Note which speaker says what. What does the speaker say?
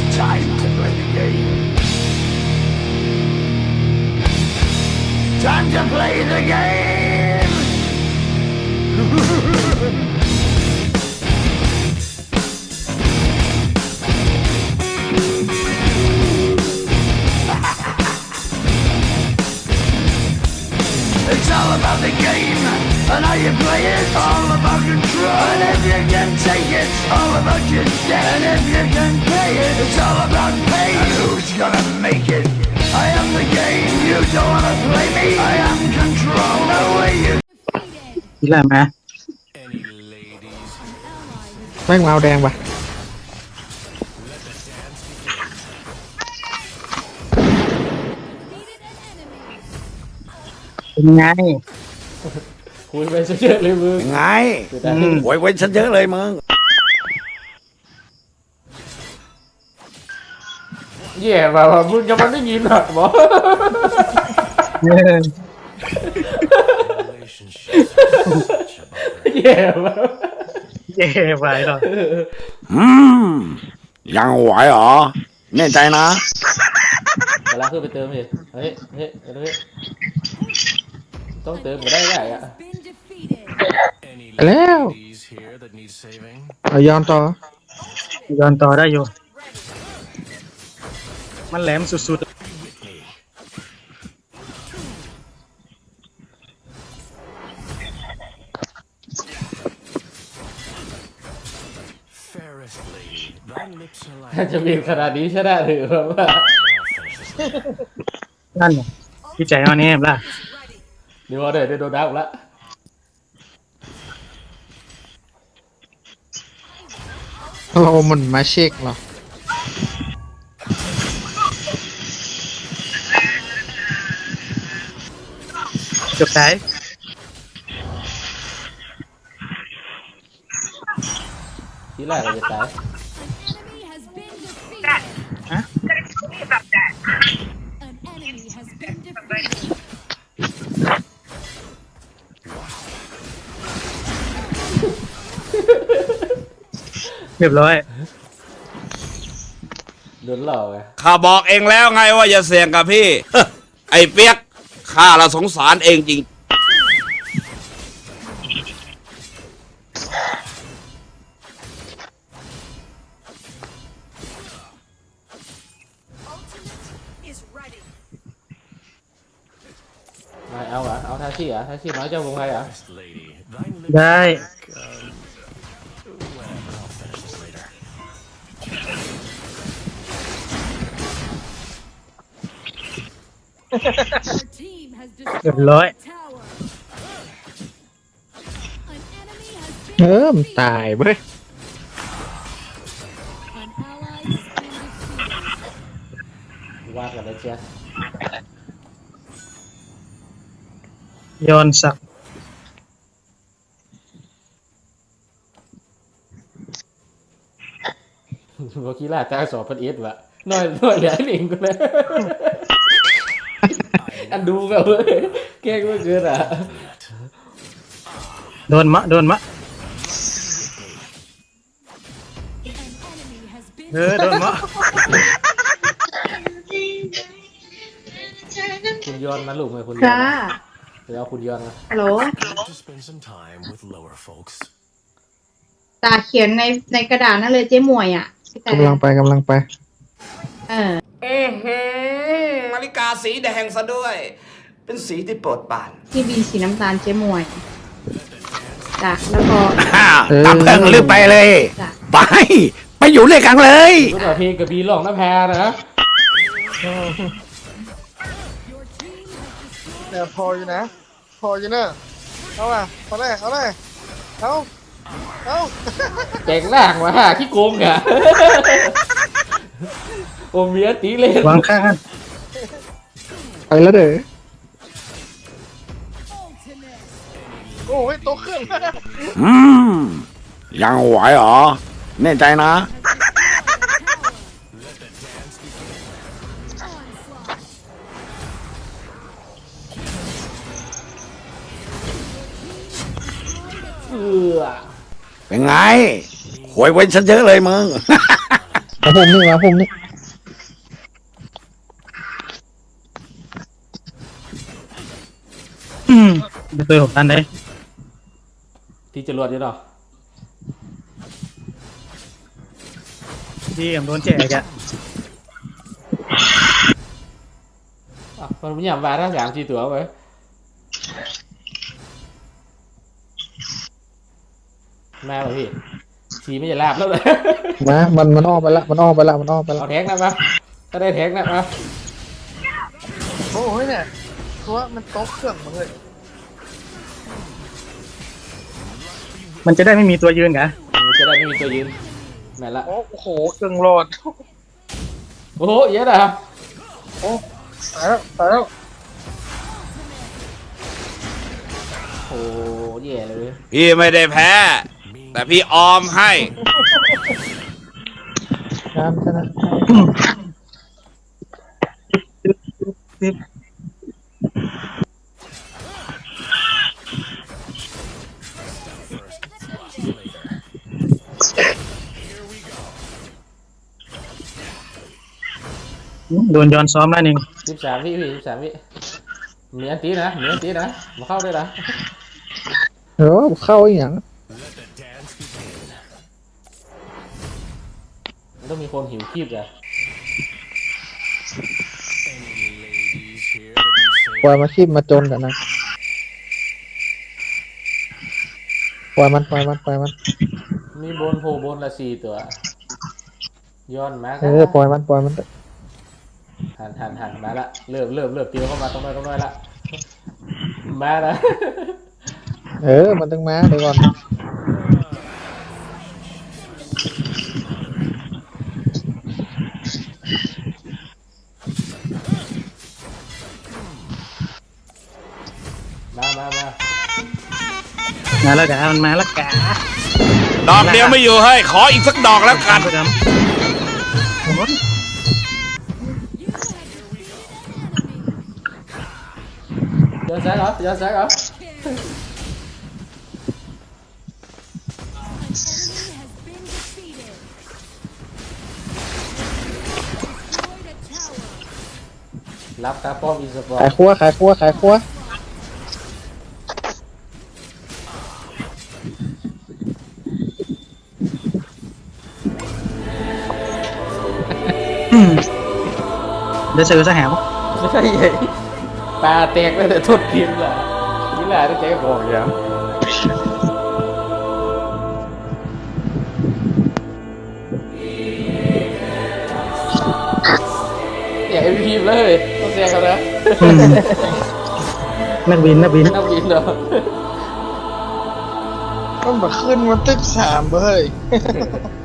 Speaker 1: Time to play the game. Time to play the game. It's all about the game and how you play it. All about control, and if you can take it, all about your debt. And if you can pay it, it's all about pay. And who's gonna make it? I am the game. You don't wanna play me. I am control. No way you.
Speaker 2: นี่แหละไหมแม่งมาเอาแดงปะเป็นไง
Speaker 3: คุยไปซะเยอะเลยมึง
Speaker 1: ไงโวยเว้นฉันเยอะเลยมึง
Speaker 3: แย่แบบว่ามึงจะมันได้ยินหรอหมอแย่แบบ
Speaker 2: เย่ไปหรอ
Speaker 1: ยังไหวเหรอแน่ใจนะ
Speaker 3: เวลาขึ้นไปเติมดิเฮ้ยต้องเติมก็ได้อ่ะ
Speaker 2: แล้วเอาย้อนต่อได้อยู่มันแหลมสุด
Speaker 3: ถ้าจะมีขนาดนี้ใช่ได้หรือว่า
Speaker 2: ๆนั่นพี่ใจเอาเนี่ยล่ะ
Speaker 3: เดี๋ยวได้โดนดักละ
Speaker 4: เรามันมาเช็คเหรอ
Speaker 2: จบสาย
Speaker 3: ทีแรกเราจะตาย
Speaker 2: ฮะเรียบร้อย
Speaker 3: โดนหลอกไง
Speaker 1: ข้าบอกเองแล้วไงว่าอย่าเสี่ยงกับพี่ ไอ้เปียกข้าละสงสารเองจริง
Speaker 3: ไม่เอาเหรอเอาท่าชี่เหรอท่าชี่น้อยเจ้าวงไงเหรอ
Speaker 2: ได้ เรียบร้อย
Speaker 4: มันตายเว้ย
Speaker 3: ว่ากันเลยเชีย
Speaker 2: ย้อนสัก
Speaker 3: โมกี้ล่าจ้างสอบพันเอสวะน้อยเหลือหลิงกูเลยอันดูแบบแกล้งไม่เกินอ่ะ
Speaker 2: โดนมะโดนมะ
Speaker 3: คุณย้อนนะลูกไหมคุณย้อน
Speaker 5: ค่ะ
Speaker 3: เดี๋ยวเอาคุณย้อนนะ
Speaker 5: ฮัลโหลตาเขียนในกระดาษนั่นเลยเจ๊หมวยอ่ะพี่แต่
Speaker 4: กำลังไป
Speaker 5: เออ
Speaker 1: นาฬิกาสีแดงซะด้วย เป็นสีที่โปรดปราน
Speaker 5: ที่บีสีน้ำตาลเจ๊หมวยจ้ะแล้วก็
Speaker 1: ตามเติงลืมไปเลย
Speaker 5: จ้ะ
Speaker 1: ไปอยู่ด้วยกันเลย
Speaker 3: รู้ป่ะเพลงกับบีร้องน้ำแพรนะ
Speaker 4: เนี่ยพออยู่นะ พออยู่เนอะเอาอ่ะพอเลยเอา
Speaker 3: แจกแรกมาขี้โกงอ่ะโอเมียตีเล่น
Speaker 2: วางข้าง
Speaker 4: ไปแล้วเด้อ
Speaker 2: โอ้ยโตขึ้น
Speaker 1: ยังไหวเหรอแน่ใจนะเป็นไงหวยเว้นฉันเยอะเลยมึง
Speaker 4: มาผมนี่
Speaker 2: ตัวผมตันได้
Speaker 3: ที่จรวดอยู่เนาะ
Speaker 2: ที่ผมโดนแจกอะ
Speaker 3: มันไม่ยอมมาทั้ง3-4 ตัวเว้ยมาเหรอพี่ชีไม่จะลาบแล้วเลย
Speaker 2: มามันอ้อมไปละมันอ้อมไปละ
Speaker 3: เอาแท็กนะมาถ้าได้แท็กนะมา
Speaker 4: โอ้ยเนี่ยตัวมันโต๊ะเครื่องมาเลย
Speaker 2: มันจะได้ไม่มีตัวยืนกะ
Speaker 3: จะได้ไม่มีตัวยืนแม่นละ
Speaker 4: โอ้โหเครื่องโหลด
Speaker 3: โอ้โหเยอะนะ
Speaker 4: โอ้ตายแล้ว
Speaker 3: โอ้แย่เลย
Speaker 6: พี่ไม่ได้แพ้ แต่พี่ออมให้
Speaker 2: น้ำชนะ โดนย้อนซ้อมแล้วนึง
Speaker 3: 13 วิพี่13 วิมีอันตีนะมาเข้าด้วยนะ
Speaker 2: เข้าอีกอย่าง
Speaker 3: มันต้องมีคนหิวคีบอะ
Speaker 2: ปล่อยมาคีบมาจนกันนะปล่อยมัน
Speaker 3: มีบนโผล่บนละ4 ตัวย้อนมา
Speaker 2: ปล่อยมัน
Speaker 3: หันมาละเริ่มเตียวเข้ามาตรงน้อยละมาละ
Speaker 2: มันต้องมาเดี๋ยวก่อน
Speaker 3: มา
Speaker 2: มาแล้วกะมันมาแล้วกะ
Speaker 6: ดอกเดียวไม่อยู่เฮ้ย ขออีกสักดอกแล้วกัน
Speaker 3: ย้อนซ้ายเหรอ รับตาป้อมอีสปอร์
Speaker 2: ขายครัวเดี๋ยวซื้อซะแหม
Speaker 3: ไม่ใช่ใหญ่ตาแตกแล้วแต่ทุบทีมละนี่แหละที่เจ๊บอกอย่างอย่า MVP เลยต้องแซงเขานะ
Speaker 2: นักบิน
Speaker 3: นักบินเหรอ
Speaker 4: มันมาขึ้นมันตึก3เฮ้ย